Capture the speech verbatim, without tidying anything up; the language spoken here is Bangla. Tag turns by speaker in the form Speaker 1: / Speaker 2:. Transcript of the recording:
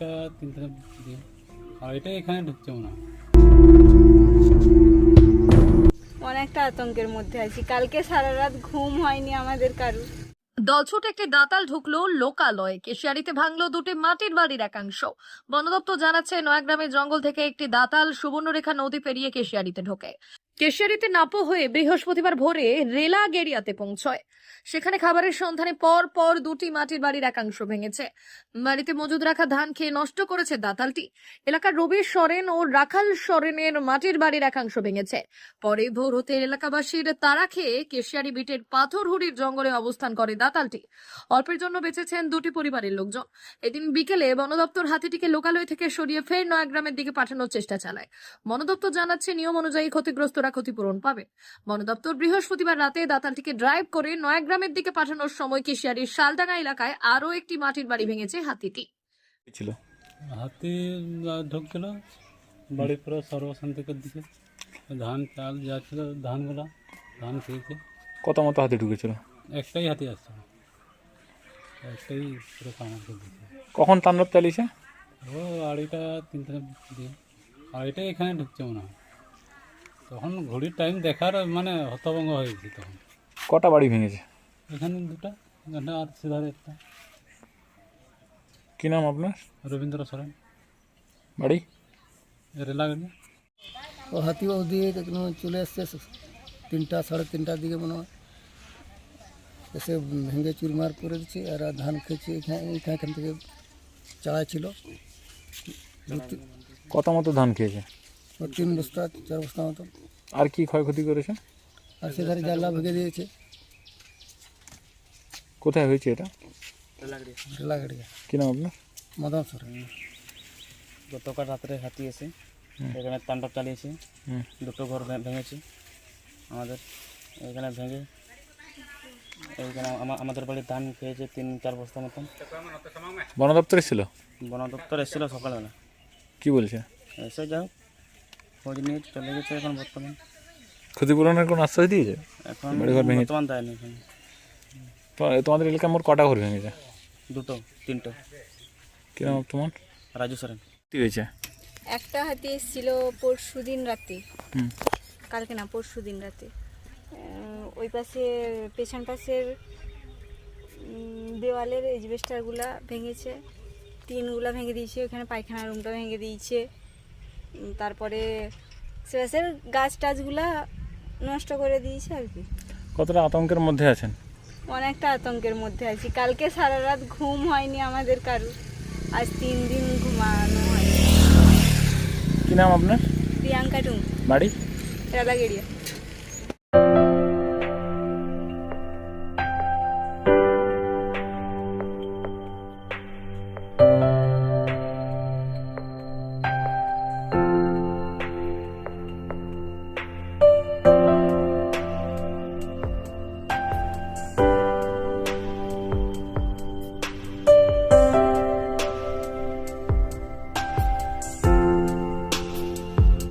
Speaker 1: আড়াইটা তিনটা দিয়ে আড়াইটা এখানে ঢুকছে মনে হয়।
Speaker 2: অনেকটা আতঙ্কের মধ্যে আছি, কালকে সারা রাত ঘুম হয়নি আমাদের কারু।
Speaker 3: দলছুট একটি দাতাল ঢুকলো লোকালয়ে, কেশিয়ারিতে ভাঙলো দুটি মাটির বাড়ির একাংশ। বন দপ্তর জানাচ্ছে নয়াগ্রামের জঙ্গল থেকে একটি দাতাল সুবর্ণরেখা নদী পেরিয়ে কেশিয়ারিতে ঢোকে। কেশিয়ারিতে নাপো হয়ে বৃহস্পতিবার ভোরে রেলা গেরিয়াতে পৌঁছয়। সেখানে খাবারের সন্ধানে পর পর দুটি মাটির বাড়ির একাংশ ভেঙেছে। বাড়িতে মজুদ রাখা ধান খেয়ে নষ্ট করেছে দাতালটি। এলাকার রবি সরেন ও রাখাল সরেনের মাটির বাড়ির একাংশ ভেঙেছে। পরে ভোর হতে এলাকাবাসীর তাড়া খেয়ে কেশিয়ারি বিটের পাথরহুড়ির জঙ্গলে অবস্থান করে দাতালটি। অল্পের জন্য বেঁচেছেন দুটি পরিবারের লোকজন। এদিন বিকেলে বন দপ্তর হাতিটিকে লোকালয় থেকে সরিয়ে ফের নয়াগ্রামের দিকে পাঠানোর চেষ্টা চালায়। বন দপ্তর জানাচ্ছে নিয়ম অনুযায়ী ক্ষতিগ্রস্তরা ক্ষতিপূরণ পাবে। বন দপ্তর বৃহস্পতিবার রাতে দাতালটিকে ড্রাইভ করে নয়াগ্রামের দিকে পাঠানোর সময় কেশিয়ারির শালডাঙ্গা এলাকায় আরো একটি মাটির বাড়ি ভেঙেছে হাতিটি।
Speaker 4: ছিল
Speaker 1: হাতি ঢুকছিল বাড়ির পুরো সর্বশান্তিকের দিকে, ধান চাল যা ছিল ধানগুলা ধান খেয়েছে।
Speaker 4: কত মতো হাতি ঢুকেছিল?
Speaker 1: একটাই হাতি আসছিল, একটাই পুরো কামার করে দিয়েছে।
Speaker 4: কখন তাণ্ডব চালিয়েছে?
Speaker 1: ও আড়াইটা তিনটা দিয়ে আড়াইটা এখানে ঢুকছে মনে হয়। তখন ঘড়ির টাইম দেখার মানে হতভঙ্গ হয়েছে। তখন
Speaker 4: কটা বাড়ি ভেঙেছে?
Speaker 1: এখানে দুটা, এখানে আর সিধারে একটা।
Speaker 4: কি নাম আপনার?
Speaker 1: রবীন্দ্র সরেন,
Speaker 4: বাড়ি
Speaker 1: রেলা গেলে।
Speaker 5: ও হাতি ওদিকে চলে আসছে তিনটা সাড়ে তিনটার দিকে মনে হয়, এসে ভেঙে চুরমার করে দিচ্ছে। আর ধান খেয়েছে এখানে এখান থেকে চাড়া ছিল।
Speaker 4: কত মতো ধান খেয়েছে?
Speaker 5: ও তিন বস্তা চার বস্তা মতো।
Speaker 4: আর কি ক্ষয়ক্ষতি করেছে?
Speaker 5: আর সেধারে জানলা ভেঙে দিয়েছে।
Speaker 4: কোথায় হয়েছে এটা?
Speaker 5: রেলাগাড়িয়া।
Speaker 4: কি নাম আপনার?
Speaker 5: মদন সরেন।
Speaker 6: গতকাল রাত্রে হাতি এসে এখানে তাণ্ডব চালিয়েছে।
Speaker 4: হুম।
Speaker 6: দুটো ঘর ভে- ভেঙেছে আমাদের এখানে ভেঙে। এইখানে আমা- আমাদের বাড়ির ধান খেয়েছে তিন চার বস্তা মতন।
Speaker 4: বন দপ্তর এসেছিল?
Speaker 6: বন দপ্তর এসেছিলো সকালবেলা,
Speaker 4: কি বলছে?
Speaker 6: এসে যাও খোঁজ নিয়ে চলে গেছে। এখন বর্তমান
Speaker 4: ক্ষতিপূরণের কোনো আশ্বাস দিয়েছে?
Speaker 6: এখন
Speaker 4: বাড়িঘর ভেঙেছে?
Speaker 6: বর্তমান দেয়নি এখানে।
Speaker 4: তো তোমাদের এলাকায় মোট কটা ঘর ভেঙেছে?
Speaker 6: দুটো তিনটো।
Speaker 4: কি নাম তোমার?
Speaker 6: রাজু সরেন।
Speaker 4: কি হয়েছে?
Speaker 2: একটা হাতি এসেছিল পরশু দিন রাতে,
Speaker 4: হুম।
Speaker 2: কালকে না পরশু দিন রাতে। আহ, ওই পাশে পেছন পাশের উম, দেওয়ালের এজবেস্টারগুলা ভেঙেছে, টিনগুলা ভেঙে দিয়েছে, ওখানে পায়খানা রুমটা ভেঙে দিয়েছে। উম, তারপরে সে পাশের গাছ টাছগুলা নষ্ট করে দিয়েছে আর কি।
Speaker 4: কতটা আতঙ্কের মধ্যে আছেন?
Speaker 2: অনেকটা আতঙ্কের মধ্যে আছি, কালকে সারা রাত ঘুম হয়নি আমাদের কারু, আজ তিন দিন ঘুমানো হয়নি।
Speaker 4: কি নাম আপনার?
Speaker 2: প্রিয়াঙ্কা টুং,
Speaker 4: বাড়ি?
Speaker 2: রাধাগেড়িয়া।